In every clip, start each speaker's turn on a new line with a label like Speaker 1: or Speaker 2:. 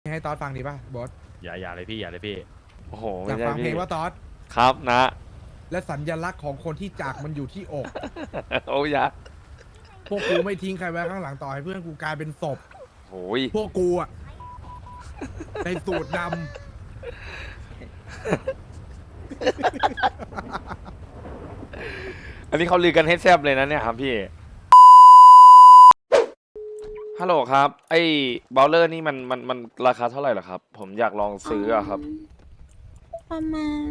Speaker 1: ให้ตอสฟังดีป่ะบอส
Speaker 2: อย่าเลยพี่อย่าเลยพี่
Speaker 3: โอ้โห
Speaker 1: อยากฟังเพลงว่าตอส
Speaker 3: ครับนะ
Speaker 1: และสัญลักษณ์ของคนที่จากมันอยู่ที่อก
Speaker 3: โอ้ยะ
Speaker 1: พวกกูไม่ทิ้งใครไว้ข้างหลังต่อให้เพื่อนกูกลายเป็นศพ
Speaker 3: โอ้ย
Speaker 1: พวกกูอะในสูตรด
Speaker 3: อันนี้เขาลือกันให้แซบเลยนะเนี่ยครับพี่ฮัลโหลครับไอ้บอลเลอร์นี่มันราคาเท่าไหร่เหรอครับ ผมอยากลองซื้ออะครับ
Speaker 4: ประมาณ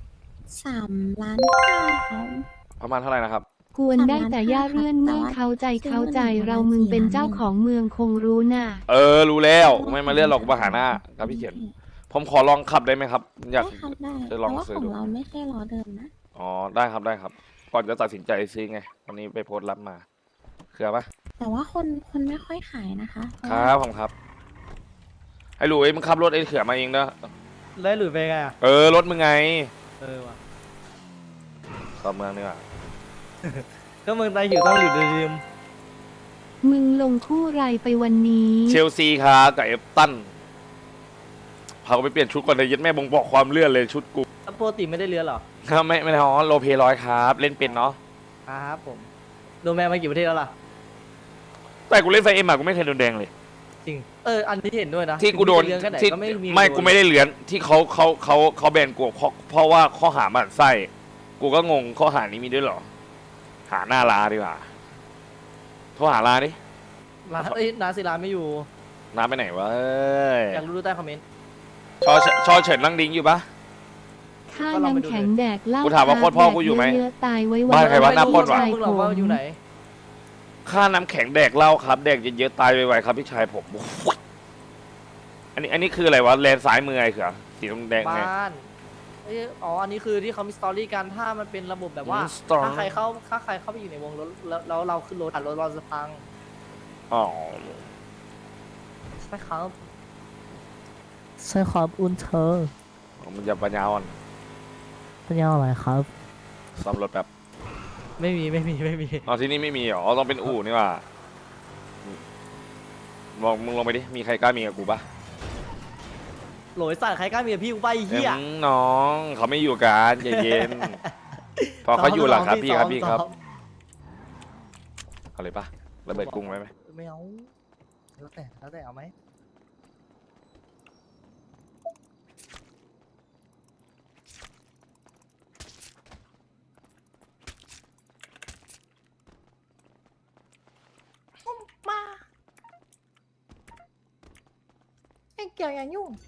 Speaker 4: 3,500,000ครับ
Speaker 3: ประมาณเท่าไหร่นะครับ
Speaker 5: กวนได้แต่ย่าเรื่อนเมื่อเข้าใจเรามึงเป็นเจ้าของเมืองคงรู้น่ะ
Speaker 3: รู้แล้วไม่มาเลื่อนหรอกมาหาหน้าครับพี่เขียน ผมขอลองขับได้ไหมครับ อยาก
Speaker 4: ได้ครับได้
Speaker 3: จะลอง
Speaker 4: แต่ว่า
Speaker 3: ซื้อ
Speaker 4: ขอ
Speaker 3: ดู
Speaker 4: งเราไม่ใช่ล้อเดิมนะ
Speaker 3: อ๋อได้ครับได้ครับ ก่อนจะตัดสินใจซื้อไงวันนี้ไปโพสต์รับมาคือปะ
Speaker 4: แต่ว่าคนไม่ค่อยขายนะคะ
Speaker 3: ครับผมครับไอ้หลุยมึงขับรถไอ้เขือมาเองเนอะ
Speaker 6: แล้วหลุยไปไงอ่ะ
Speaker 3: รถมึงไง
Speaker 6: ว่ะ
Speaker 3: เข้าเมืองนี่ว่ะ
Speaker 6: ก็เมืองไทยอยู่ต้องอยู่ในริม
Speaker 5: มึงลงคู่ไรไปวันนี้
Speaker 3: เชลซีครับกับเอฟตันพากูไปเปลี่ยนชุดก่อนเลยยัดแม่บ่งบอกความเลื่อนเลยชุดกู
Speaker 6: แล้วปกติไม่ได้เรือหรอ
Speaker 3: ไม่ท้อโลเพร้อยครับเล่นเป็นเนาะ
Speaker 6: ครับผมโดนแมนมากี่ประเทศแล้วล่ะ
Speaker 3: แต่กูเล่นไฟเอ็มอะกูไม่เคยโดนแดงเลย
Speaker 6: จริงอันนี้เห็นด้วยนะ
Speaker 3: ที่กูโดน
Speaker 6: เรื่องแค่ไหน
Speaker 3: ที่
Speaker 6: ก็ไม่มี
Speaker 3: ไม่กูไม่ได้เหรียญที่เขาแบนกูเพราะว่าข้อหามันไส้กูก็งงข้อหานี้มีด้วยเหรอ หาหน้าลาดีกว่าโทรหาลาดิ
Speaker 6: ร้านนาศิลาไม่อยู่
Speaker 3: น้าไปไหนวะเอ้ย
Speaker 6: อยากรู้ดูใต้คอมเมนต์
Speaker 3: ชอเฉินนั่งดิ้งอยู่ปะ
Speaker 5: ค่าน้ำแข็งแดกเหล้า
Speaker 3: กูถามว่าโคตรพ่อกูอยู่ไหม
Speaker 5: เยอะๆตายไว้
Speaker 3: บ้านใครวะหน้าปล้นวะ
Speaker 6: มึงหรอกว่าอยู่ไหน
Speaker 3: ค่าน้ำแข็งแดกเหล้าครับแดกเยอะๆตายไวๆครับพี่ชายผมอันนี้คืออะไรวะแลนซ้ายมือไอ้เขือสีแดงไง
Speaker 6: บ้านอันนี้คือที่เขามีสตอรี่กันถ้ามันเป็นระบบแบบว่า
Speaker 3: สตอรี่
Speaker 6: ถ้าใครเข้าไปอยู่ในวงรถแล้วเราขึ้นรถรถเราจะพัง
Speaker 3: อ๋อ
Speaker 6: ใช่ครับ
Speaker 7: ใช่ครับอุนเธอ
Speaker 3: มันจะปัญญาอ่อน
Speaker 7: เป็นยังไงครับ
Speaker 3: ซ่อมรถแบบ
Speaker 6: ไม่มี
Speaker 3: อ๋อที่นี่ไม่มีเหรอต้องเป็นอู่นี่ว่าบอกมึงลงไปดิมีใครกล้ามีกับกูปะ
Speaker 6: โหลยสั่งใครกล้ามีกับพี่กูไปเฮีย
Speaker 3: น้องเขาไม่อยู่กันใจเย็น พอเขาอยู่หลังครับพี่ครับพี่ครับ
Speaker 6: ซ้อม
Speaker 3: เอาเลยปะระเบิดกรุงไว้ไหม
Speaker 6: ไม่เอาแล้วแต่เอาไหมมาไอ้เกี่ยวอย่ายุ่ง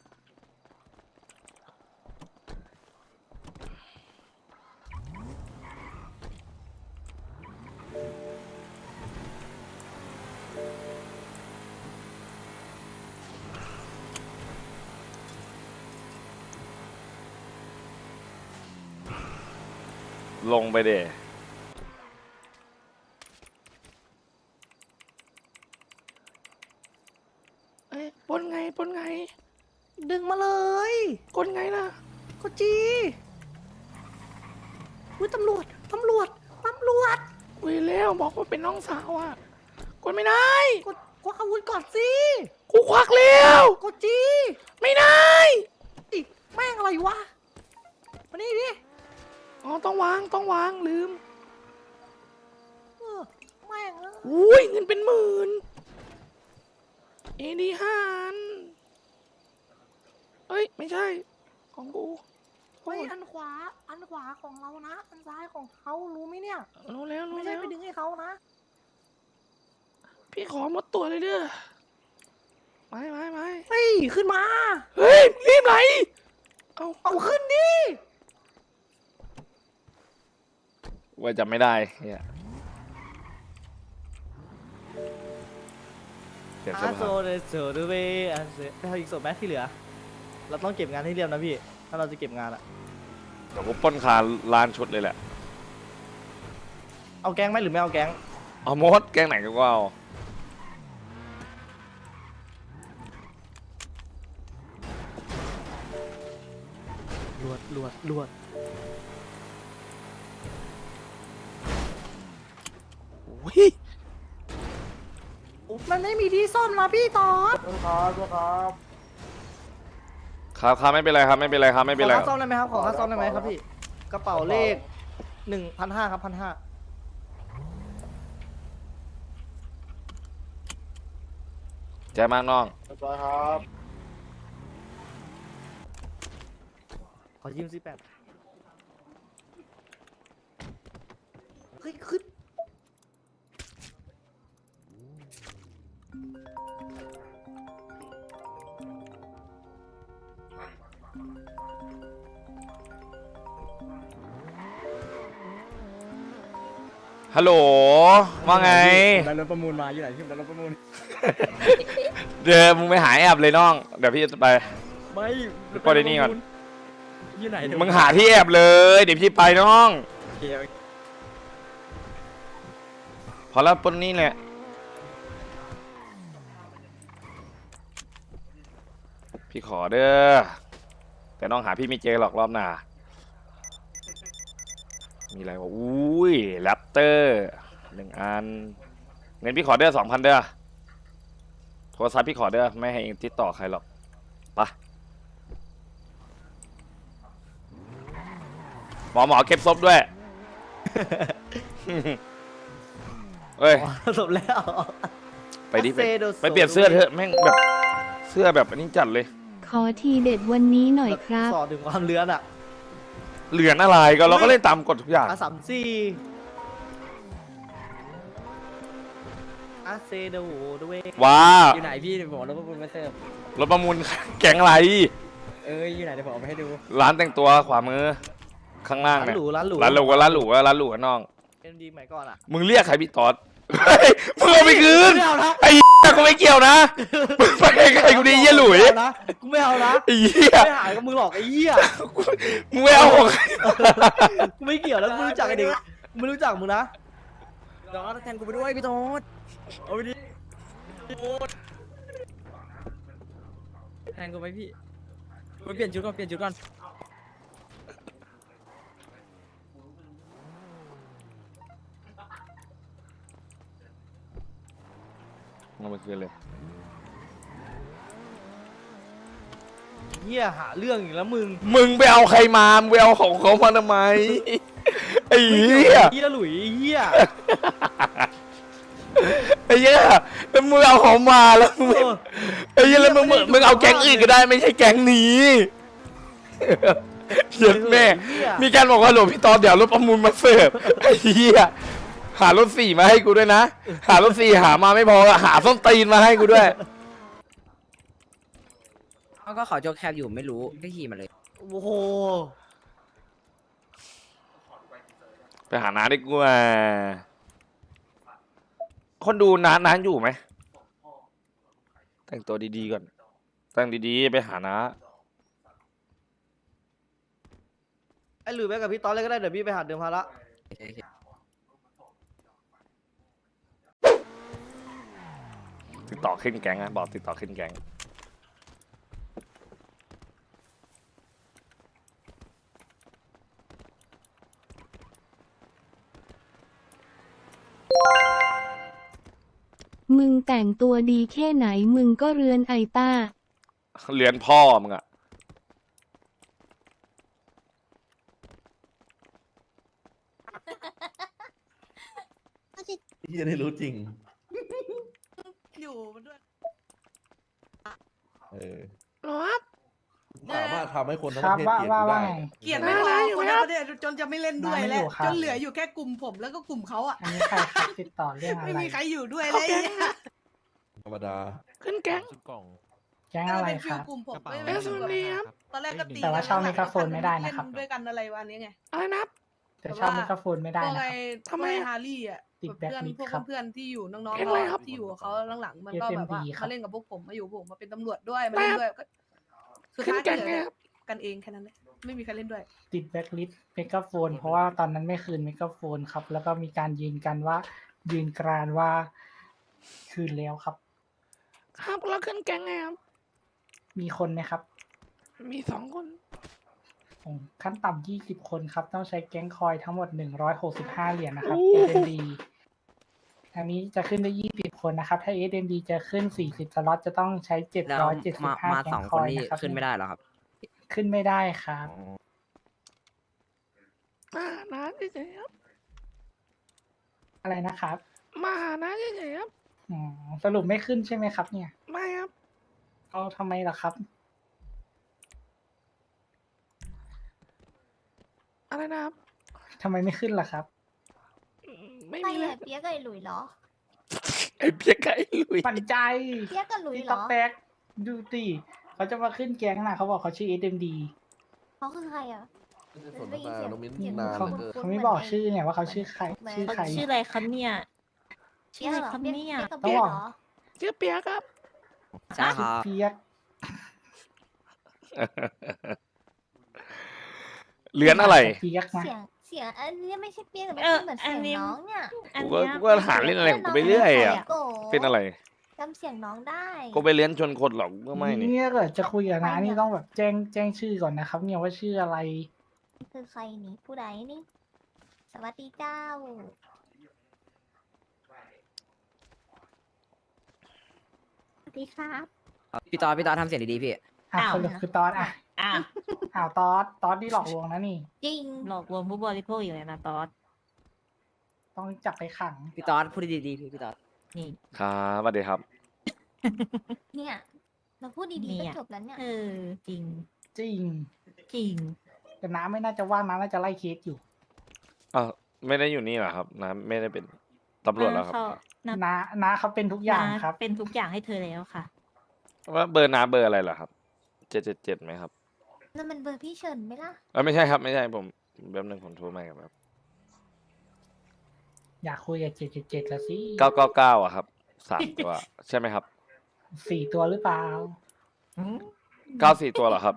Speaker 3: ลงไปเดปนไง
Speaker 6: ดึงมาเลย
Speaker 3: กดไงล่ะ
Speaker 6: กดจีอุ้ยตำรวจ
Speaker 3: อุ้ยแล้วบอกว่าเป็นน้องสาวอ่ะกดไม่ได้
Speaker 6: กดควักอาวุธก่อนสิ
Speaker 3: กูควักแล้ว
Speaker 6: กดจี
Speaker 3: ไม่ได้
Speaker 6: อีกแม่งอะไรวะมานี่ดิ
Speaker 3: อ๋อต้องวางลืม
Speaker 6: แม่ง
Speaker 3: อุ้ยเงินเป็นหมื่นAD 5 อันเอ้ยไม่ใช่ของกู
Speaker 6: เฮ้ยอันขวาของเรานะ อันซ้ายของเขารู้ไหมเนี่ย
Speaker 3: รู้แล้ว
Speaker 6: ไม่ใช่ไปดึงให้เขานะ
Speaker 3: พี่ขอหมดตัวเลยเด้อไม่
Speaker 6: เฮ้ย ขึ้นมา
Speaker 3: เฮ้ยรีบไหน
Speaker 6: เอาขึ้นดิ
Speaker 3: ว่าจะไม่ได้เนี่ยเปลี่ยนเสื้อ
Speaker 6: อาโซ
Speaker 3: ผ้า
Speaker 6: เดโซเดเวอันเซไปเอาอีกศพแมที่เหลือ เราต้องเก็บงานให้เรียบนะพี่ ถ้าเราจะเก็บงานอะ
Speaker 3: เดี๋ยวกูปล้นคาร้านชุดเลยแหละ
Speaker 6: เอาแก๊งไหมหรือไม่เอาแก๊ง
Speaker 3: เอามดแกงไหนก็เอา
Speaker 6: ลวด
Speaker 3: อุ้ย
Speaker 6: มันไม่มีที่ซ่อมนะพี่ตอด
Speaker 1: ครับ
Speaker 3: ครับไม่เป็นไรครับไม่เป็นไรครับไม่เป็นไร
Speaker 6: ขอค่าซ่อมได้ไหมครับขอค่าซ่อมได้ไหมครับพี่กระเป๋าเลข1,500ครับ1,500
Speaker 3: ใจมากน้อง
Speaker 6: ขอยืม18เฮ้ยขึ้น
Speaker 3: ฮัลโหลว่าไง
Speaker 6: ได้รถประมูลมาอยู่ไหนพี่ได้รถประมูล
Speaker 3: เดี๋ยวมึงไปหาแอบเลยน้องเดี๋ยวพี่จะไป
Speaker 6: ไม่
Speaker 3: ปล่อยในนี่ก่อน
Speaker 6: อยู่ไหนเดี๋ยว
Speaker 3: มึงหาที่แอบเลยเดี๋ยวพี่ไปน้อง
Speaker 6: โอเค
Speaker 3: พอแล้วปนนี่แหละพี่ขอเด้อแต่น้องหาพี่ไม่เจอหรอกรอบหน้ามีอะไรวะอุ้ยแรปเตอร์1 อันเงินพี่ขอเด้อ2,000เด้อโทรศัพท์พี่ขอเด้อไม่ให้เองติดต่อใครหรอกไปหมอเก็บศพด้วย เฮ้ย
Speaker 6: จบแล้ว
Speaker 3: ไปดิ
Speaker 6: อาเซโดโซ
Speaker 3: ไปเปลี่ยนเสื้อเถอะแม่งแบบเสื้อแบบอันนี้จัดเลย
Speaker 5: ขอทีเด็ดวันนี้หน่อยครับ
Speaker 6: สอดถึงความเลือนอ่ะ
Speaker 3: เหลือนอะไรก็เราก็เล่นตามกฎทุกอย่าง
Speaker 6: A34อาเซโดด้วย
Speaker 3: ว้า
Speaker 6: อยู่ไหนพี่เดี๋ยวผมเอารถประมูลมาเสิร์ฟ
Speaker 3: รถประมูล แก๊งอะไร
Speaker 6: อยู่ไหนเดี๋ยวผมเอาไปให้ดู
Speaker 3: ร้านแต่งตัวขวามือข้างล่าง
Speaker 6: ร้าน
Speaker 3: เนี่ย
Speaker 6: หรูร้านหรู
Speaker 3: ร้านหรูร้านหรูร้านหรูน้อง
Speaker 6: เอ็มดีใหม่ก่อนอ่ะ
Speaker 3: มึงเรียกใครพี่ตอดเฮ้ยมึงเอาไปคืน
Speaker 6: ไม่เอานะ
Speaker 3: ไอ้เหี้ยกูไม่เกี่ยวนะมึงไปใครกูดีเยี่ยหลุย
Speaker 6: กูไม่เอานะ
Speaker 3: ไอ้เหี้ย
Speaker 6: ไม่หายกับมึงหรอกไอ้เหี้ย
Speaker 3: มึงไม่เอาของใคร
Speaker 6: กูไม่เกี่ยวแล้วกูไม่รู้จักไอ้เด็กกูไม่รู้จักมึงนะน้องแทนกูไปด้วยพี่โต๊ดเอาไปดิแทนกูไปพี่ไปเปลี่ยนชุดก่อนเปลี่ยนชุดก่อน
Speaker 3: เอาไปคืนเลย
Speaker 6: เหี้ยหาเรื่องอีกแล้วมึง
Speaker 3: มึงไปเอาใครมามึงไปเอาของเขามาทำไมไอ้เหี้ย
Speaker 6: เหี้ยหลุยเหี้ย
Speaker 3: ไอ้เหี้ยแล้วมึงเอาของมาแล้วมึงไม่ ไอ้เหี้ยแล้วมึงเอาแก๊งอื่นก็ได้ไม่ใช่แก๊งนี้เหี้ยแม่ มีการบอกว่าหลวงพี่ตอนเดี๋ยวรถประมูลมาเสิร์ฟไอ้เหี้ยหารถ4มาให้กูด้วยนะ หารถ4หามาไม่พอหาส้นตีนมาให้กูด้วย
Speaker 2: เขาก็เขาโจกแคบอยู่ไม่รู้ก็ขี่มาเลย
Speaker 6: โอ้โห
Speaker 3: ไปหาน้าดีกว่าคนดูน้าอยู่ไหมแต่งตัวดีๆก่อนแต่งดีๆไปหาน้า
Speaker 6: ไอ้หลุยไปกับพี่ตอนเลยก็ได้เดี๋ยวพี่ไปหาเดิมพาระ
Speaker 3: ติดต่อขึ้นแก๊งนะบอกติดต่อขึ้นแก๊ง
Speaker 5: มึงแต่งตัวดีแค่ไหนมึงก็เรือนไอต้า
Speaker 3: เรียนพ่อมึงอะ
Speaker 8: ที่จะได้รู้จริง
Speaker 9: อยู่มันด้วย
Speaker 8: เออสามารถทำให้คนทั้งประเทศเกลียด
Speaker 7: ว่า
Speaker 8: กูได้
Speaker 7: ไง
Speaker 9: เกลียดไม่พอคนทั้งประเทศจนจะไม่เล่นด้วยแล้ว
Speaker 7: ไม่อยู่ครับ
Speaker 9: จนเหลืออยู่แค่กลุ่มผมแล้วก็กลุ่มเขาอ่ะ
Speaker 7: อันนี้ใครครับติดต่อเรื่องอะไร
Speaker 9: ไม่มีใครอยู่ด้วยเลย
Speaker 8: ธรรมดา
Speaker 3: ขึ้นแก๊ง
Speaker 7: แก๊ง
Speaker 9: ก็
Speaker 7: อะไร
Speaker 9: เป็น
Speaker 7: ค
Speaker 9: ฟิล
Speaker 7: รับ
Speaker 9: กลุ่มผม
Speaker 3: เอ
Speaker 9: ไม่
Speaker 3: ส
Speaker 9: ฟิล
Speaker 3: วัสดีครับ
Speaker 9: ตอนแรกก็ตี
Speaker 7: แต่ว่าเช่าไมโครโฟนไม่ได้นะครับ
Speaker 9: เล่ด้วยกันอะไรวันนี้ไง
Speaker 3: อะไรนะ
Speaker 7: แต่ชอบไมโครโฟนไม่ได้
Speaker 9: พวก
Speaker 7: นะค
Speaker 9: ไอ้
Speaker 7: รับ
Speaker 9: ทำไมฮาร์รี่อ่ะ
Speaker 7: ติด
Speaker 9: เพื่อน
Speaker 7: blacklist
Speaker 9: พวก
Speaker 7: ครับ
Speaker 9: เพื่อนที่อยู่น้อง
Speaker 3: เรียกอะไรครับ
Speaker 9: ๆที่อยู่กับเขาหลังๆมันก็แบบว่า
Speaker 7: SMD ครับ
Speaker 9: มาเล่นกับพวกผมมาอยู่พวกผมมาเป็นตำรวจด้วยมาเล่นด้วยก็สุดท้ายก็เหลือกันเองแค่นั้นแหละไม่มีใครเล่นด้วย
Speaker 7: ติดแบ็คลิสต์ไมโครโฟน เพราะว่าตอนนั้นไม่คืนไมโครโฟนครับ แล้วก็มีการยืนกันว่า ยืนกรานว่าคืนแล้วครับ
Speaker 3: ครับแล้วขึ้นแก๊งไงครับ
Speaker 7: มีคนไหมครับ
Speaker 3: มี2 คน
Speaker 7: ขั้นต่ำ20 คนครับ ต้องใช้แก๊งคอยทั้งหมด165 เหรียญนะครับ SMD อันนี้จะขึ้นได้20 คนนะครับ ถ้า SMD จะขึ้น40 สล็อตจะต้องใช้
Speaker 2: แล้วมา
Speaker 7: 775 แก๊
Speaker 2: สอง ง
Speaker 7: ค
Speaker 2: คน
Speaker 7: อย
Speaker 2: นี่
Speaker 7: นะครับ
Speaker 2: ขึ้นไม่ได้เหรอครับ
Speaker 7: ขึ้นไม่ได้ครับ
Speaker 3: มาหาน้าเฉยๆครับ
Speaker 7: อะไรนะครับ
Speaker 3: มาหาน้าเฉยๆครับ
Speaker 7: อืมสรุปไม่ขึ้นใช่ไหมครับ เนี่ย
Speaker 3: ไม่ครับ
Speaker 7: เอาทำไมล่ะครับ
Speaker 3: อะไรนะครับ
Speaker 7: ทำไมไม่ขึ้นล่ะครับ
Speaker 3: ไม่
Speaker 10: ใคร
Speaker 3: มีเลย
Speaker 10: อะเปียกกับไอ้หลุยเหรอ
Speaker 3: ไอ้เพี้ยไก่ลุย
Speaker 7: ปันใจ
Speaker 10: เปียกกับหลุย
Speaker 7: พี่
Speaker 10: เหร
Speaker 7: ต๊อก
Speaker 10: อ
Speaker 7: แตกดูดิเขาจะมาขึ้นแก๊งนะเขาบอกเขาชื่อ SMD
Speaker 10: เขาคือใครอ่ะ
Speaker 8: ไม่ใช่สนทนาน้องมิ้น
Speaker 10: เสียง
Speaker 8: นาน
Speaker 7: เขา
Speaker 8: เหลือเกิน
Speaker 7: เขาไม่บอกชื่อเนี่ยว่าเขาชื่อใคร ชื่อใคร
Speaker 11: ชื่ออะไรคะเนี่ย
Speaker 10: เปียกเหรอเปียกเปียกกับ
Speaker 7: ต้อ
Speaker 10: เปี
Speaker 7: ง
Speaker 10: ยก
Speaker 7: บอก
Speaker 10: เหรอ
Speaker 3: ชื่อเปียกครับ
Speaker 2: ใช่ครับ
Speaker 7: เปียก
Speaker 3: เลือนอะไร
Speaker 7: เปียกนะ
Speaker 10: เสียงอันนี้ไม่ใช่เปียกแต่
Speaker 11: เออ
Speaker 10: เหมือน
Speaker 11: อั
Speaker 10: เสี
Speaker 11: นนี้
Speaker 10: ยงน้องเนี่ย
Speaker 11: อัน
Speaker 3: กู
Speaker 11: เนี้ย
Speaker 3: ก็หาเล่นอะไรของกูไปเรื่อยอ่ะ
Speaker 10: โก
Speaker 3: เป็นอะไร
Speaker 10: จำเสียงน้องได้
Speaker 3: กูไปเลี้ยนชนคนหรอกก็ไม่นี่
Speaker 7: เนี่ยเกิดจะคุยกับน้านี่ต้องแบบแจ้งชื่อก่อนนะครับ เนี่ยว่าชื่ออะไร
Speaker 10: คือใครนี่ผู้ใดนี่ สวัสดีเจ้า
Speaker 4: สวัสดีครับ
Speaker 2: พี่ตอนทำเสียงดีๆพี่
Speaker 7: อ่ะ
Speaker 11: อ้าว
Speaker 7: สรุปคือตอสอ่ะ
Speaker 11: อ่ะ
Speaker 7: อ้าวตอสนี่หลอกลวงนะนี่
Speaker 10: จริง
Speaker 11: หลอกลวงผู้บริโภคอยู่เลยนะตอส
Speaker 7: ต้องจับไปขัง
Speaker 2: พี่ตอนพูดดีๆพี่ตอน
Speaker 11: นี่
Speaker 3: ครับสวัสดีครับ
Speaker 10: เนี่ยเราพูดดีๆ
Speaker 11: เนี่
Speaker 10: ก็
Speaker 11: ย
Speaker 10: จบแล้วเนี่ย
Speaker 11: เออจริง
Speaker 7: จริง
Speaker 11: จริง
Speaker 7: แต่น้าไม่น่าจะว่างน้าน่าจะไล่เคสอยู่
Speaker 3: อ้าวไม่ได้อยู่นี่เหรอครับน้าไม่ได้เป็นตำรวจแล้วครับ
Speaker 7: น้าเขาเป็นทุกอย่างครับ
Speaker 11: เป็นทุกอย่างให้เธอแล้วค่ะ
Speaker 3: ว่าเบอร์น้าเบอร์อะไรเหรอครับ777ไหมครับ
Speaker 10: นั่นมันเบอร์พี่เฉินไหมล่ะ
Speaker 3: ไม่ใช่ครับไม่ใช่ผมแป๊บนึงผมโทรมาครับ
Speaker 7: อยากคุยกับ777ละสิ
Speaker 3: 999อะครับ3 ตัวใช่ไหมครับ
Speaker 7: 4 ตัวหรือเปล่า
Speaker 3: 94 ตัวเหรอครับ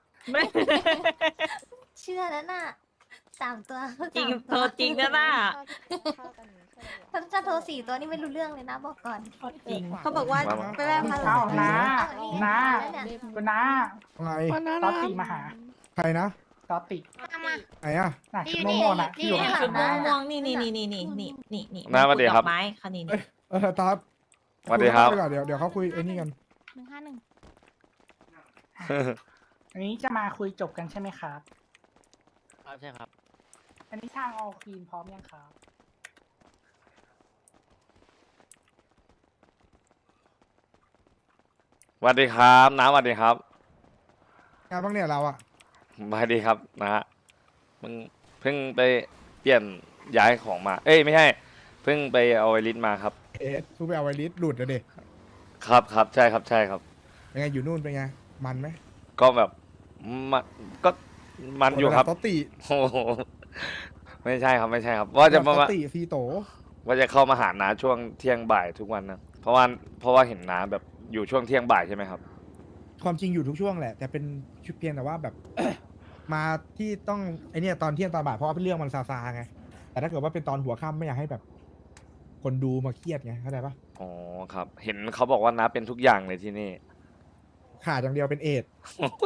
Speaker 10: เชื่อแล้วน่ะ3 ตัว
Speaker 11: จริง
Speaker 10: 3
Speaker 11: โทรจริงนะน่ะ
Speaker 10: ฉันจะโทร4 ตัวนี่ไม่รู้เรื่องเลยนะบอกก่อน
Speaker 11: จริง
Speaker 9: เขาบอกว่า
Speaker 3: มา
Speaker 9: ไปแม่พันหลั
Speaker 7: อ้าง วน้า
Speaker 10: นี่
Speaker 7: น้า
Speaker 10: แล้วเนี่ย
Speaker 7: คุณน้า
Speaker 1: อะไร
Speaker 7: ตอสติมาหา
Speaker 1: ใครนะ
Speaker 7: ตอสติ
Speaker 1: ไหนอ่ะ
Speaker 7: น่ะชุดม่วงๆน่ะที่อยู่ข้างหลั
Speaker 11: ชุด
Speaker 7: งน้า
Speaker 11: ม่วงๆนี่
Speaker 3: น้าสวัสดีครับ
Speaker 11: ดอกไม้ค่ะนี่
Speaker 1: ตอด
Speaker 3: สวัสดีครับ
Speaker 1: คุยกันไปก่อนเดี๋ยวเขาคุยไอ้นี่กัน
Speaker 7: อันนี้จะมาคุยจบกันใช่ไหมครับ
Speaker 2: ใช่ครับ
Speaker 7: อันนี้ทางออลควีนพร้อมยังครับ
Speaker 3: สวัสดีครับน้าสวัสดีครับ
Speaker 1: งานบ้างเนี่ยเราอ่ะ
Speaker 3: สวัสดีครับนะฮะมึงเพิ่งไปเปลี่ยนย้ายของมา เอ้ยไม่ใช่ เพิ่งไปเอาไวริสมาครับ
Speaker 1: กูไปเอาไวริสหลุดแล้วเด็
Speaker 3: ครับใช่ครับ
Speaker 1: เป็นไงอยู่นู่นเป็นไง มันไหม
Speaker 3: ก็แบบมันก็มันอยู่ครับ
Speaker 1: โตติ
Speaker 3: โอ้โหไม่ใช่ครับว่าจะ
Speaker 1: โต
Speaker 3: มา
Speaker 1: ติซีโต
Speaker 3: ว่าจะเข้ามาหาน้าช่วงเที่ยงบ่ายทุกวันนะเพราะว่าเห็นน้าแบบอยู่ช่วงเที่ยงบ่ายใช่ไหมครับ
Speaker 1: ความจริงอยู่ทุกช่วงแหละ แต่เป็นชุดเพียงแต่ว่าแบบ มาที่ต้องไอเนี่ยตอนเที่ยงตอนบ่ายเพราะว่าเรื่องมันซาไง แต่ถ้าเกิดว่าเป็นตอนหัวค่ำไม่อยากให้แบบ คนดูมาเครียดไงเข้าใจปะ
Speaker 3: อ๋อครับ เห็นเขาบอกว่าน้าเป็นทุกอย่างเลยที่นี่
Speaker 1: ขาดอย่างเดียวเป็นเอดส์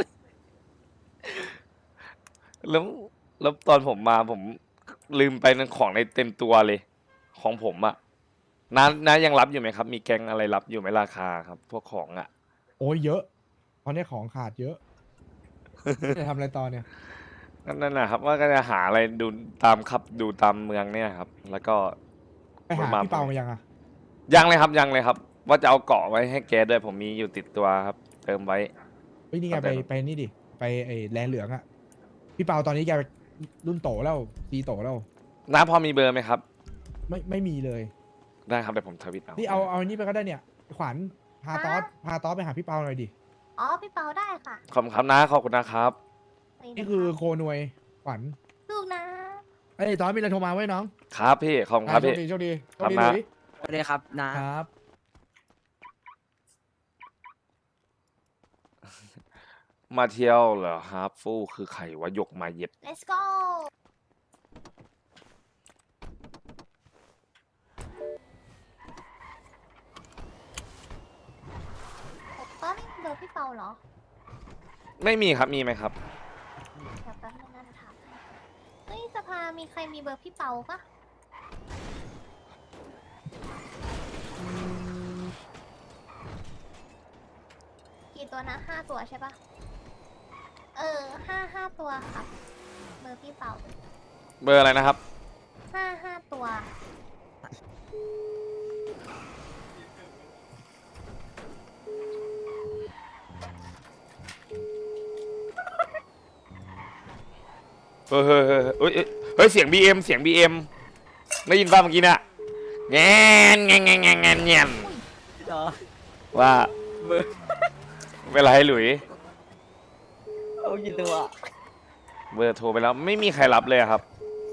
Speaker 3: แล้วตอนผมมาผมลืมไปนั่นของในเต็มตัวเลย ของผมอะน้ายังรับอยู่ไหมครับ มีแก๊งอะไรรับอยู่ไหมราคาครับ พวกของอะ
Speaker 1: โอ้ยเยอะตอนนี้ของขาดเยอะ จะทำอะไรต่อเนี่ย
Speaker 3: นั่นนะครับว่าก็จะหาอะไรดูตามเมืองเนี่ยครับ แล้วก็
Speaker 1: ไปหาพี่เปามายังอ่ะ
Speaker 3: ยังเลยครับ ว่าจะเอาเกาะไว้ให้แกด้วยผมมีอยู่ติดตัวครับ เติมไว้
Speaker 1: เฮ้ยนี่ไง
Speaker 3: เอาไป
Speaker 1: ไปนี่ดิไปไอ้แลนเหลืองอ่ะพี่เปาตอนนี้แกรุ่นโตแล้วตีโตแล้ว
Speaker 3: น้าพอมีเบอร์ไหมครับ
Speaker 1: ไม่มีเลย
Speaker 3: ได้ครับเดี๋ยวผมทวิตเอา
Speaker 1: นี่เอานี่ไปก็ได้เนี่ยขวัญพาตอสไปหาพี่เปาหน่อยดิ
Speaker 10: อ๋อพี่เปาได้ค่ะ
Speaker 3: ขอบคุณครับน้าขอบคุณนะครับ
Speaker 1: นี่คือโคนวยขวัญ
Speaker 10: ลูกนะ
Speaker 1: เอ้ยตอนมีอะไรโทรมาไว้น้อง
Speaker 3: ครับพี่ขอบคุณครับ
Speaker 1: โช
Speaker 3: พี่
Speaker 1: คดีโชคดี
Speaker 3: ครับ
Speaker 1: ห
Speaker 3: นะ
Speaker 1: ลุย
Speaker 2: สวัสดีครับนะ
Speaker 1: ครับ
Speaker 3: มาเที่ยวเหรอฮาร์ฟฟูคือใครวะยกมาเย็บ
Speaker 10: let's go ตอนนี้เบอร์พี่เปาเหรอ
Speaker 3: ไม่มีครับมีไหมครับ
Speaker 10: เดี๋ยวแป๊บนึงนะถามให้เฮ้ยสภามีใครมีเบอร์พี่เปาปะกี่ตัวนะ5 ตัวใช่ปะห้าตัวครับ เบอร์พี่เป่า
Speaker 3: เบอร์อะไรนะครับ
Speaker 10: ห้าตัว
Speaker 3: เฮ้ยเฮ้ยเฮ้ยเฮ้ยเฮ้ยเสียง BM เสียง BM ได้ยินป่ะเมื่อกี้น่ะแงนแงนแงนแงนแงนแงน
Speaker 6: พี่ตอด
Speaker 3: ว่า
Speaker 6: เบอร์
Speaker 3: เวลาให้หลุย
Speaker 6: เอากี่ตัว
Speaker 3: เบอร์โทรไปแล้วไม่มีใครรับเลยอะครับ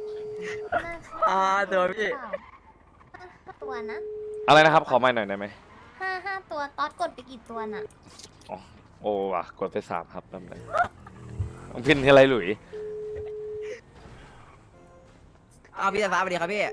Speaker 6: ตัวพี่
Speaker 10: ห้าตัวนะ
Speaker 3: อะไรนะครับขอไม่หน่อยได้ไหม
Speaker 10: ห้าตัวต๊อดกดไปกี่ตัวน่ะ
Speaker 3: โอ้ว่ะกดไป3ครับแป๊บนึงต้องพินที่อะไรหลุย
Speaker 2: เอาพี่สายฟ้าสวัสดีครับพี่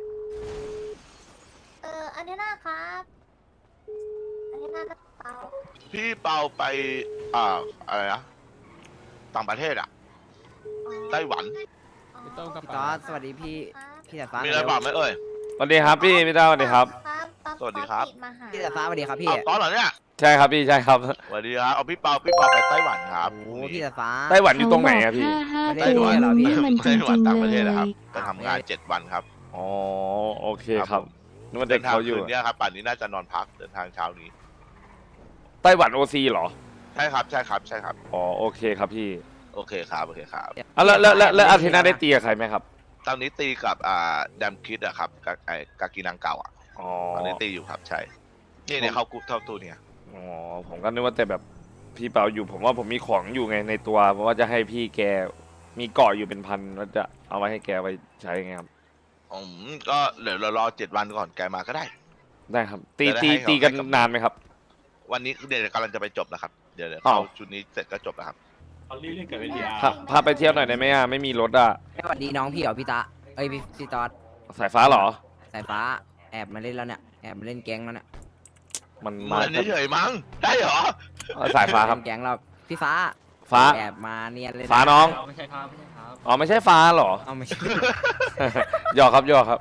Speaker 10: อันนี้นะครับ อันนี้น่าจะเป่า
Speaker 8: พี่เปาไปอะไรนะต่างประเทศอ่ะ ไต้หวัน
Speaker 2: พี่ตอดสวัสดีพี่พี่สายฟ้า
Speaker 8: มีอะไรบอกไหมเอ่ย
Speaker 3: สวัสดีครับพี่พี่ต้าสวัสดีครับ
Speaker 10: ต๊อด
Speaker 8: สวัสดีครับ
Speaker 10: ต๊อมาหา
Speaker 2: พี่สายฟ้าสวัสดีครับพี่
Speaker 8: อ้าวตอนเหรอเนี่ย
Speaker 3: ใช่ครับพี่ใช่ครับ
Speaker 8: สวัสดีครับเอาพี่เปาไปไต้หวันครับ
Speaker 2: โอ้พี่สายฟ้า
Speaker 3: ไต้หวันอยู่ตรงไหนอะพี่
Speaker 2: ไม่ได้
Speaker 5: 5 ตัว
Speaker 2: เหรอพี่
Speaker 5: นี่มันจ
Speaker 8: ไต้หวั
Speaker 5: ริ
Speaker 8: น
Speaker 5: ง
Speaker 8: ต่าง
Speaker 5: ๆ
Speaker 8: ประเทศ
Speaker 5: เล
Speaker 8: นะครับ
Speaker 5: ย
Speaker 8: ไปทำงาน7 วันครับ
Speaker 3: อ๋อโอเค
Speaker 8: ค
Speaker 3: ค
Speaker 8: รั
Speaker 3: รับ บนึกว่าเด็กเขาอยู่
Speaker 8: ดินทงคืนเนี่ยครับป่านนี้น่าจะนอนพักเดินทางเช้านี้
Speaker 3: ไต้หวันโอซีเหรอ
Speaker 8: ใช่ครับใช่ครับใช่ครับ
Speaker 3: อ๋อโอเคครับพี่
Speaker 8: โอเคครับโอเคครับ
Speaker 3: อ่ะแล้วอาเทน่าได้ตีกับใครไหมครับ
Speaker 8: ตอนนี้ตีกับแดมคิดอะครับกากีนังเก่าอะ
Speaker 3: อ๋อ
Speaker 8: ตอนนี้ตีอยู่ครับใช่เนี่ยเขากรุ๊ปเท่าตัวเนี่ย
Speaker 3: อ๋อผมก็นึกว่าแต่แบบพี่เปาอยู่ผมว่าผมมีของอยู่ไงในตัวเพราะว่าจะให้พี่แกมีเกาะอยู่เป็นพันว่าจะเอาไว้ให้แกไปใช้ไงครับ
Speaker 8: ก็เดี๋ยวเรารอ7 วันก่อนแกมาก็ได้
Speaker 3: ได้ครับ ตี
Speaker 8: จะได้
Speaker 3: ตี
Speaker 8: ให้เขา
Speaker 3: ตีกัน
Speaker 8: ให้กับ
Speaker 3: นานไหมครับ
Speaker 8: วันนี้เดี๋ยวกำลังจะไปจบแล้วครับเดี๋ยว
Speaker 3: อ้า
Speaker 8: เขา
Speaker 3: ว
Speaker 8: ชุดนี้เสร็จก็จบแล้วครับ
Speaker 3: พาไปเที่ยวหน่อยได้ไหมอ่ะไม่มีรถอ่ะ
Speaker 2: สวัสดีน้องพี่เหรอพี่ตาเอ้ยพี่ตอด
Speaker 3: สายฟ้าเหรอ
Speaker 2: สายฟ้าแอบมาเล่นแล้วเนี่ยแอบมาเล่นแก๊งแล้วเนี่ย
Speaker 3: มัน
Speaker 8: เห
Speaker 3: มา
Speaker 8: มือนเฉยๆมั้งได้เหรอ
Speaker 3: สายฟ้าครับ
Speaker 2: เล่นแก๊งเราพี่ฟ้า
Speaker 3: ฟ้า
Speaker 2: แอบมาเนียนเลยะ
Speaker 3: ฟ้าน้อง
Speaker 6: ไม่ใช่ครับไม่ใช่ครับ
Speaker 3: อ๋อไม่ใช่ฟ้าเหรอ
Speaker 2: เอาไม่ใช่
Speaker 3: หยอกครับหยอกครับ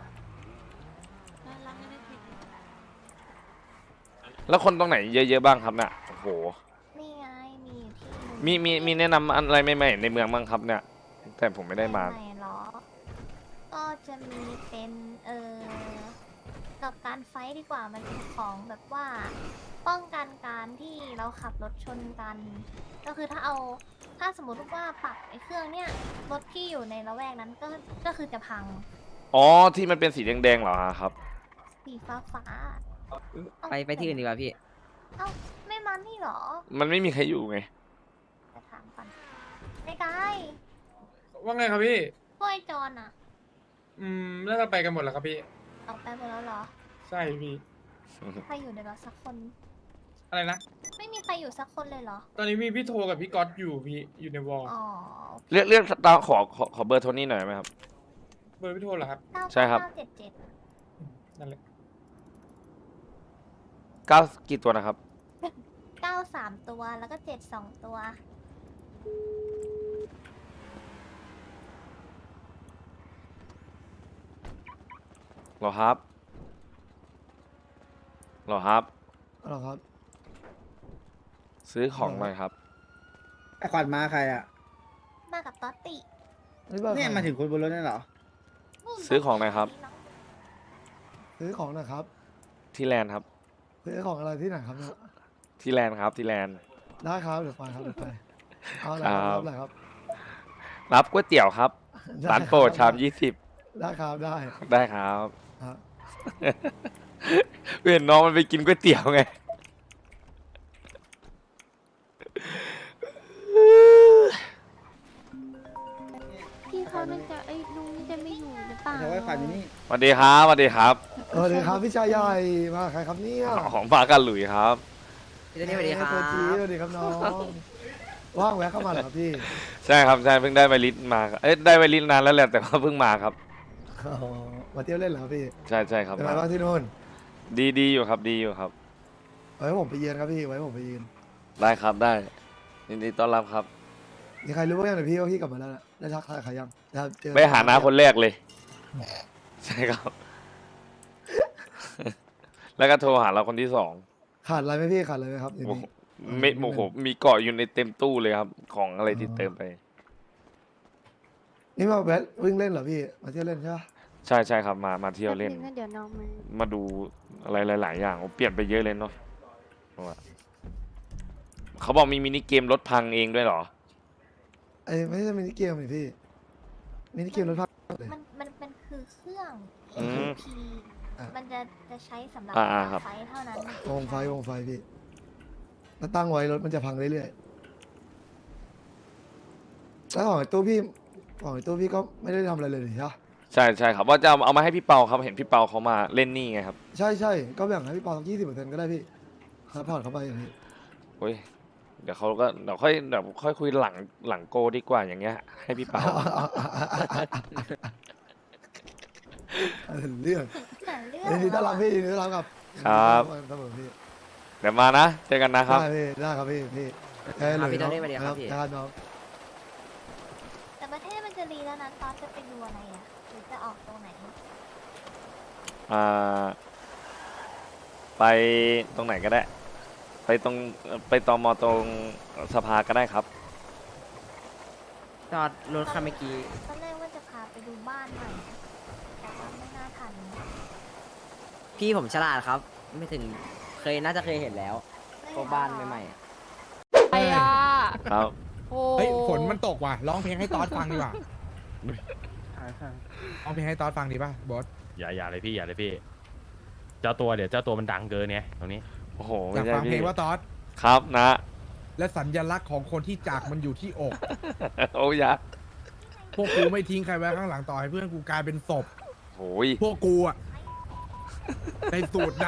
Speaker 3: แล้วคนตรงไหนเยอะๆบ้างครับเนี่ยโอ้โห
Speaker 10: นี่ไง มีอยู่ที่หนึ่ง
Speaker 3: มีแนะนำอะไรใหม่ๆในเมืองบ้างครับเนี่ย แต่ผมไม่ได้มา
Speaker 10: ไหนเหรอ ก็จะมีเป็นกับการไฟท์ดีกว่ามันเป็นของแบบว่า ป้องกันการที่เราขับรถชนกัน ก็คือถ้าสมมติว่าปักไอ้เครื่องเนี่ยรถที่อยู่ในละแวกนั้นก็คือจะพัง
Speaker 3: อ๋อที่มันเป็นสีแดงๆเหรอครับ
Speaker 10: สีฟ้า
Speaker 2: ไปที่อื่นดีกว่าพี่
Speaker 10: เอ้าไม่มานี่เหรอ
Speaker 3: มันไม่มีใครอยู่ไง
Speaker 10: ไปถามก่อนไม่ได้
Speaker 12: ว่าไงครับพี่
Speaker 10: พวกไอ้จอนอะ
Speaker 12: น่าจะไปกันหมดแล้วครับพี่
Speaker 10: ออกไปหมดแล้วเหรอ
Speaker 12: ใช่พี่
Speaker 10: ใครอยู่ในรถสักคน
Speaker 12: อะไรนะ
Speaker 10: ไม่มีใครอยู่สักคนเลยเหรอ
Speaker 12: ตอนนี้มีพี่โทกับพี่ก๊อตอยู่พี่ อยู่ในวอล
Speaker 10: อ๋อ
Speaker 3: เรียกตามขอเบอร์โทนี่หน่อยไหมครับ
Speaker 12: เบอร์พี่โทเหรอครับ
Speaker 3: ใช่ครับ
Speaker 10: 977
Speaker 12: นั่นแหละ
Speaker 3: 9กี่ตัวนะครับ
Speaker 10: 93 ตัวแล้วก็72 ตัว
Speaker 3: หรอครับหรอครับ
Speaker 6: หรอครับ
Speaker 3: ซื้อของหน่อยครับ
Speaker 6: ไอขวัญมาใครอ่ะ
Speaker 10: มากับต๊อตติ
Speaker 6: เนี่ยมาถึงคนบนรถนี่เหรอ
Speaker 3: ซื้อของหน่อยครับ
Speaker 6: ซื้อของนะครับ
Speaker 3: ที่แลนด์ครับ
Speaker 6: ซื้อของอะไรที่ไหนครับเนี่ย
Speaker 3: ที่แลนด์ครับที่แลนด์
Speaker 6: ได้ครับเดี๋ยวไปครับเดี๋ยวไป เอาอะไร
Speaker 3: ค
Speaker 6: ค
Speaker 3: รั
Speaker 6: รับ บอะไรครับ
Speaker 3: รับก๋วยเตี๋ยวครับ
Speaker 6: ได้
Speaker 3: ร้านโปรด
Speaker 6: ครับ
Speaker 3: ชาม20
Speaker 6: ได้ครับได้
Speaker 3: ได้ครับ
Speaker 6: ครับ
Speaker 3: เห็นน้องมันไปกินก๋วยเตี๋ยวไง
Speaker 10: พี่เขาน่าจะไอ้ลุงนี่จะไม่อยู่หรือเปล่า
Speaker 6: เดี๋ยวไว้ขวัญอยู่นี่
Speaker 3: สวัสดีครับสวัสดีครับ
Speaker 6: สวัสดีครับพี่ชายใหญ่มาใครครับเนี่ย
Speaker 3: ของมากันหลุยครับ
Speaker 2: พี่ตัวนี้สวัสดีครับ
Speaker 6: ตัวจี๊ดสวัสดีครับน้องว่างแวะเข้ามาเหรอครับพี่
Speaker 3: ใช่ครับใช่เพิ่งได้ไวริสมาเอ้ยได้ไวริสนานแล้วแหละแต่ว่าเพิ่งมาครับ
Speaker 6: อ๋อมาเที่ยวเล่นเหรอครับพี่
Speaker 3: ใช่ใช่ครับ
Speaker 6: เป็นไงบ้างที่นู่น
Speaker 3: ดีอยู่ครับดีอยู่ครับ
Speaker 6: ไว้ผมไปเยือนครับพี่ไว้ผมไปเยือน
Speaker 3: ได้ครับได้ยินดีต้อนรับครับ
Speaker 6: มีใครรู้บ้างยังหรือพี่ว่าพี่กลับมาแล้วนะได้ทักทายใครยังด้เจอ
Speaker 3: ไปหาน้าคนแรกเลย ใช่ครับ แล้วก็โทรหาเราคนที่2
Speaker 6: ขาดอะไรไหมพี่ขาดอะไรไหมครับเดี๋ยวนี้
Speaker 3: ไม่โอ้โหมีเกาะอยู่ในเต็มตู้เลยครับ ของอะไรที่เติมไป
Speaker 13: นี่มาแวะวิ่งเล่นเหรอพี่มาเที่ยวเล่นใช่ปะ
Speaker 3: ใช่ใช่ครับมาเที่ยวเล่น
Speaker 4: เดี๋ยวน้องมา
Speaker 3: มาดูอะไรหลาย ๆ อย่างโอ้เปลี่ยนไปเยอะเลยเนาะว่าเขาบอกมีมินิเกมรถพังเองด้วยเหรอ
Speaker 13: ไอ้ไม่ใช่มินิเกมนี่พี่มินิเกมรถพักเลย
Speaker 10: มันคือเครื่อง
Speaker 3: อืม
Speaker 10: P มันจะใช้สำหรับ
Speaker 3: ครับ
Speaker 10: ไฟเท่านั้น
Speaker 13: วงไฟพี่แล้วตั้งไว้รถมันจะพังเรื่อยๆแล้วของไอ้ตู้พี่ก็ไม่ได้ทำอะไรเลยนี่ใช่ปะ
Speaker 3: ใช่ใช่ครับว่าจะเอามาให้พี่เปาครับเห็นพี่เปาเขามาเล่นนี่ไงครับ
Speaker 13: ใช่ก็แบ่งให้พี่ปอสัก20%ก็ได้พี่ครับผ่อนเข้าไปอย่างนี้
Speaker 3: โอ้ยเดี๋ยวค่อยคุยหลังโกดีกว่าอย่างเงี้ย ให้พี่เปา
Speaker 13: เรื่อง
Speaker 10: แต่เรื่อง
Speaker 13: ยินดีต้อนรับพี่ยินดีต้อนรับครับ
Speaker 3: ครับ
Speaker 13: เสมอพี่
Speaker 3: เดี๋ยวมานะเจอกันนะครับ
Speaker 13: ได้ครับพี่
Speaker 2: ครับ
Speaker 13: เลย
Speaker 2: พี่โทนี่สวัสดีครับพี่
Speaker 13: ครับน้อง
Speaker 10: แต่ประเทศมันจะรีแล้วนะตอนจะไปดูอะไรอ่ะหรือจะออกตรงไหน
Speaker 3: ไปตรงไหนก็ได้ ไปตมตรงสภาก็ได้ครับ
Speaker 2: จอดรถคันเมื่อกี้
Speaker 10: ตอนแรกว่าจะพาไปดูบ้านใหม่แต่ว่าไม่น่าทัน
Speaker 2: พี่ผมฉลาดครับ ไม่ถึงน่าจะเคยเห็นแล้วพวกบ้านใหม่ๆอะ
Speaker 4: ไปอ่ะ
Speaker 3: ครับ
Speaker 4: โอ้
Speaker 1: เฮ้ยฝนมันตกว่ะร้องเพลงให้ตอดฟังดีกว่าร้องเพลงให้ตอดฟังดีป่ะบอส
Speaker 12: อย่าเลยพี่เจ้าตัวมันดังเกินเนี่ยตรงนี้
Speaker 3: โอ้โห
Speaker 1: อ
Speaker 3: ไม่
Speaker 1: ยาก
Speaker 3: ใช่
Speaker 1: ฟังเพล
Speaker 3: พี่
Speaker 1: งว่าตอด
Speaker 3: ครับนะ
Speaker 1: และสัญลักษณ์ของคนที่จากมันอยู่ที่อก
Speaker 3: โอ้ยะ
Speaker 1: พวกกูไม่ทิ้งใครไว้ข้างหลังต่อให้เพื่อนกูกลายเป็นศพ
Speaker 3: โอ้ย
Speaker 1: พวกกูอะในสูตรด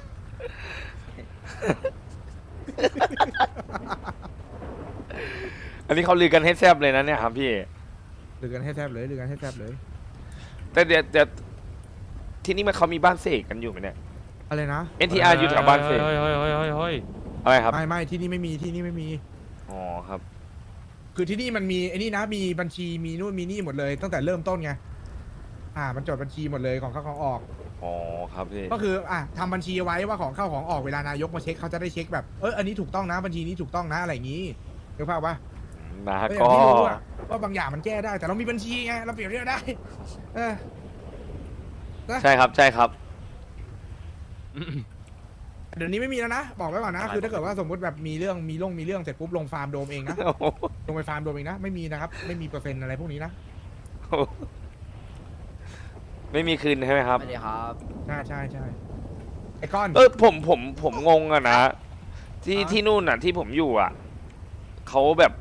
Speaker 3: อันนี้เขาลือกันให้แซบเลยนะเนี่ยครับพี่
Speaker 1: ำหรือกันให้แทบเลยหรือกันให้แทบเลย
Speaker 3: แต่เดี๋ยวที่นี่มันเขามีบ้านเสกกันอยู่ไหมเนี่ย
Speaker 1: อะไรนะ
Speaker 3: NTR อยู่แถวบ้านเสก
Speaker 12: เฮ้ย
Speaker 3: อะไรครับ
Speaker 1: ไม่ที่นี่ไม่มีที่นี่ไม่มี
Speaker 3: อ๋อครับ
Speaker 1: คือที่นี่มันมีไอ้นี่นะมีบัญชีมีนู่นมีนี่หมดเลย ตั้งแต่เริ่มต้นไงมันจดบัญชีหมดเลยของเข้าของออก
Speaker 3: อ๋อครับพี่
Speaker 1: ก็คือทำบัญชีไว้ว่าของเข้าของออกเวลานายกมาเช็คเขาจะได้เช็คแบบอันนี้ถูกต้องนะบัญชีนี้ถูกต้องนะอะไรอย่างนี้ถูกป่าวปะ
Speaker 3: นะ
Speaker 1: ก็อ
Speaker 3: ก็
Speaker 1: ย่างที่รู้อะว่าบางอย่างมันแก้ได้ แต่เรามีบัญชีไงเราเปรียบเทียบได้
Speaker 3: ใช่ครับใช่ครับ
Speaker 1: เดี๋ยวนี้ไม่มีแล้วนะบอกไว้ก่อนนะคือถ้าเกิดว่าสมมติแบบมีเรื่องเสร็จปุ๊บลงฟาร์มโดมเองนะลงไปฟาร์มโดมเองนะไม่มีนะครับไม่มีเปอร์เซ็นต์อะไรพวกนี้นะ
Speaker 3: ไม่มีคืนใช่ไหมครับ
Speaker 2: สวัสดีครับ
Speaker 1: ใช่ไอ้ก้อน
Speaker 3: ผมงงอะนะที่นู่นอะที่ผมอยู่อะเขาแบบ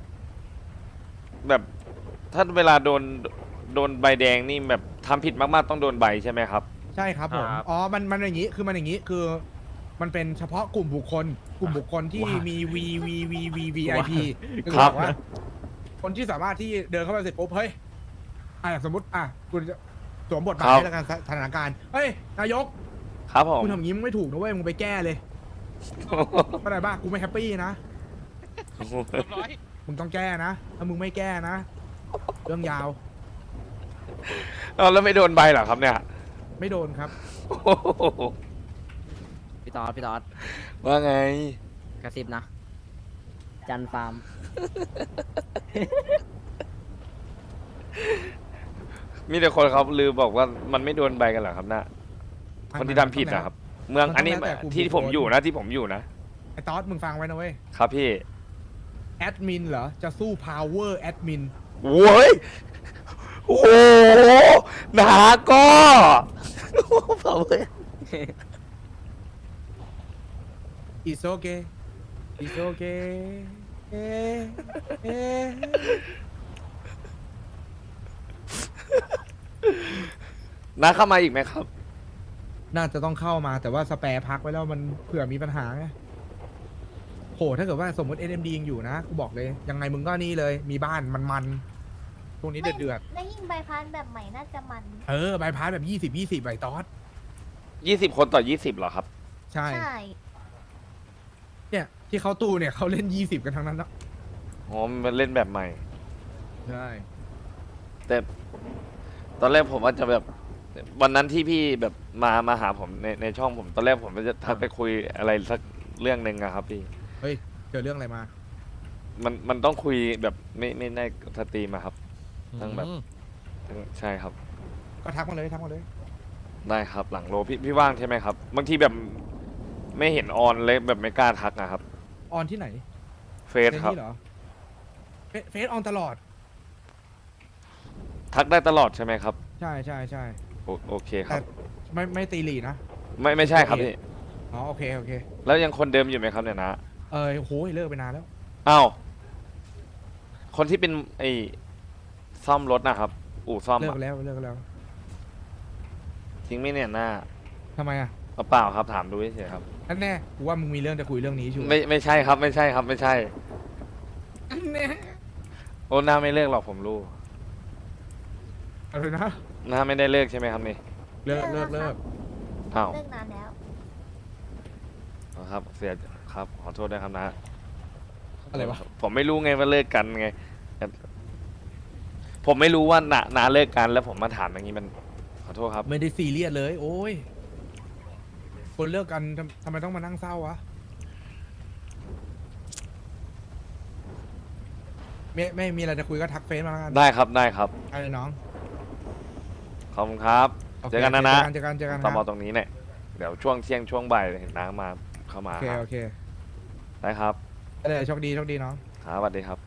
Speaker 3: ถ้าเวลาโดนใบแดงนี่แบบทำผิดมากๆต้องโดนใบใช่ไหมครับ
Speaker 1: ใช่ครับผม
Speaker 12: ครับ
Speaker 1: อ๋อมันอย่างนี้คือมันอย่างนี้คือมันเป็นเฉพาะกลุ่มบุคคลที่มี VVVVIP คือบอกว่าคนที่สามารถที่เดินเข้าไปเสร็จปุ๊บเฮ้ยสมมติคุณจะสวมบทบาทในการสถานการณ์เฮ้ยนายก
Speaker 3: ครับผม
Speaker 1: คุณทำอย่างนี้มึงไม่ถูกนะเว้ยมึงไปแก้เลยเข้าใจป่ะกูไม่แฮปปี้นะมึงต้องแก้นะถ้ามึงไม่แก้นะเรื่องยาว
Speaker 3: แล้วไม่โดนใบเหรอครับเนี่ย
Speaker 1: ไม่โดนครับ
Speaker 2: พี่ตอด
Speaker 3: ว่าไง
Speaker 2: กระซิบนะ จันฟาร์ม
Speaker 3: มีแต่คนเขาลือบอกว่ามันไม่โดนใบกันเหรอครับนะคนที่ทำผิดนะครับ เมืองอันนี้ที่ผมอยู่นะ
Speaker 1: ไอ้ตอสมึงฟังไว้นะเว้ย
Speaker 3: ครับพี่
Speaker 1: แอดมินเหรอจะสู้ power แอดมิน
Speaker 3: โว้ยโอ้โหหนาก็เผาเลย
Speaker 1: It's okay It's okay
Speaker 3: น้าเข้ามาอีกไหมครับ
Speaker 1: น่าจะต้องเข้ามาแต่ว่าสแปร์พักไว้แล้วมันเผื่อมีปัญหาไงโหถ้าเกิดว่าสมมติ NMD ยังอยู่นะกูบอกเลยยังไงมึงก็นี่เลยมีบ้านมันตรงนี้เดือด
Speaker 10: แล้วยิ่งใบพัดแบบใหม่น่าจะมัน
Speaker 1: ใบพาสแบบ20ใบตอส
Speaker 3: 20 คนต่อ 20เหรอครับ
Speaker 1: ใช่
Speaker 10: ใช่
Speaker 1: เนี่ยที่เขาตู้เนี่ยเขาเล่น20กันทั้งนั้นนะ
Speaker 3: อ๋อมันเล่นแบบใหม่
Speaker 1: ใช่
Speaker 3: แต่ตอนแรกผมว่าจะแบบวันนั้นที่พี่แบบมาหาผมในช่องผมตอนแรกผมจะทักไปคุยอะไรสักเรื่องหนึ่งอะครับพี่
Speaker 1: เฮ้ยเจอเรื่องอะไรมา
Speaker 3: มันต้องคุยแบบไม่ได้สตรีมอะครับต้องแบบใช่ครับ
Speaker 1: ก็ทักมาเลยทักมาเลย
Speaker 3: ได้ครับหลังโลพี่ว่างใช่ไหมครับบางทีแบบไม่เห็นออนเลยแบบไม่กล้าทักนะครับ
Speaker 1: ออนที่ไหน
Speaker 3: เฟซครับ
Speaker 1: นี่เหรอเฟซออนตลอด
Speaker 3: ทักได้ตลอดใช่ไหมครับ
Speaker 1: ใช่ใช่ใช่
Speaker 3: โอเคค
Speaker 1: แต่
Speaker 3: รับ
Speaker 1: ไม่ตีหลีนะ
Speaker 3: ไม่ใช่ครับพี่
Speaker 1: อ๋อโอเคโอเค
Speaker 3: แล้วยังคนเดิมอยู่ไหมครับเนี่ยนะ
Speaker 1: โหเลิกไปนานแล้ว
Speaker 3: อ้าวคนที่เป็นไอ้ซ่อมรถนะครับ อู่ซ่อม
Speaker 1: เลิก
Speaker 3: อะ
Speaker 1: แล้วเลิกแล้ว
Speaker 3: จริงไหมเนี่ยหน้า
Speaker 1: ทำไมอ่ะ
Speaker 3: เปล่าครับถามดูเฉยๆครับ
Speaker 1: นั่นแน่กูว่ามึงมีเรื่องจะคุยเรื่องนี้ชัวร์
Speaker 3: ไม่ใช่ครับไม่ใช่ครับไม่ใช่
Speaker 1: แน่
Speaker 3: โอ้หน้าไม่เลิกหรอกผมรู้
Speaker 1: อะไรนะ
Speaker 3: หน้าไม่ได้เลิกใช่ไหมครับนี่
Speaker 1: เลิก
Speaker 10: เลิกแล้วครับ
Speaker 3: อ้าว
Speaker 10: เลิกนานแล้ว
Speaker 3: ครับเสียครับขอโทษด้วยครับนะ
Speaker 1: อะไรวะ
Speaker 3: ผมไม่รู้ไงว่าเลิกกันไง ผมไม่รู้ว่านาเลิกกันแล้วผมมาถามอย่างนี้มันขอโทษครับ
Speaker 1: ไม่ได้ซีเรียสเลย โอ้ยคนเลิกกันทำไมต้องมานั่งเศร้าวะไม่มีอะไรจะคุยก็ทักเฟซมาแล้วกัน
Speaker 3: ได้ครับได้ครับ
Speaker 1: ไอ้น้อง
Speaker 3: ขอบคุณครับ
Speaker 1: โอเค
Speaker 3: เจอกันนะนะ
Speaker 1: เจอกันค
Speaker 3: ต่อ
Speaker 1: รับ
Speaker 3: มาตรงนี้เนี่ยเดี๋ยวช่วงเที่ยงช่วงบ่ายเห็นน้ามาเข้ามา
Speaker 1: โอเคโอเค
Speaker 3: ได้ครับ
Speaker 1: ได้เลยโชคดีน้อง
Speaker 3: ครับสวัสดีครับ